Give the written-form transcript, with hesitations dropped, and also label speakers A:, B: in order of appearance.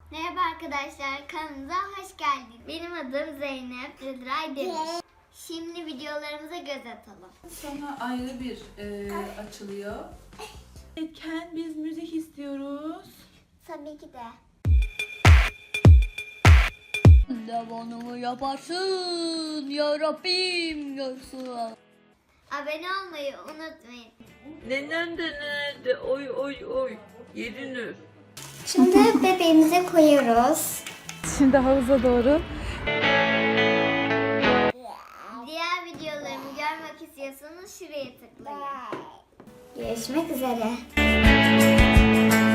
A: Merhaba arkadaşlar, kanalımıza hoş geldiniz. Benim adım Zeynep Rıdray Demir. Şimdi videolarımıza göz atalım.
B: Sonra ayrı bir açılıyor. Ken biz müzik istiyoruz.
A: Tabii ki de.
C: Devamını yaparsın ya Rabbim görsün.
A: Abone olmayı unutmayın.
D: Nenen de nerede? Oy oy oy. Yedinir.
A: Şimdi bebeğimize koyuyoruz.
B: Şimdi havuza doğru.
A: Diğer videolarımı görmek istiyorsanız şuraya tıklayın. Görüşmek üzere.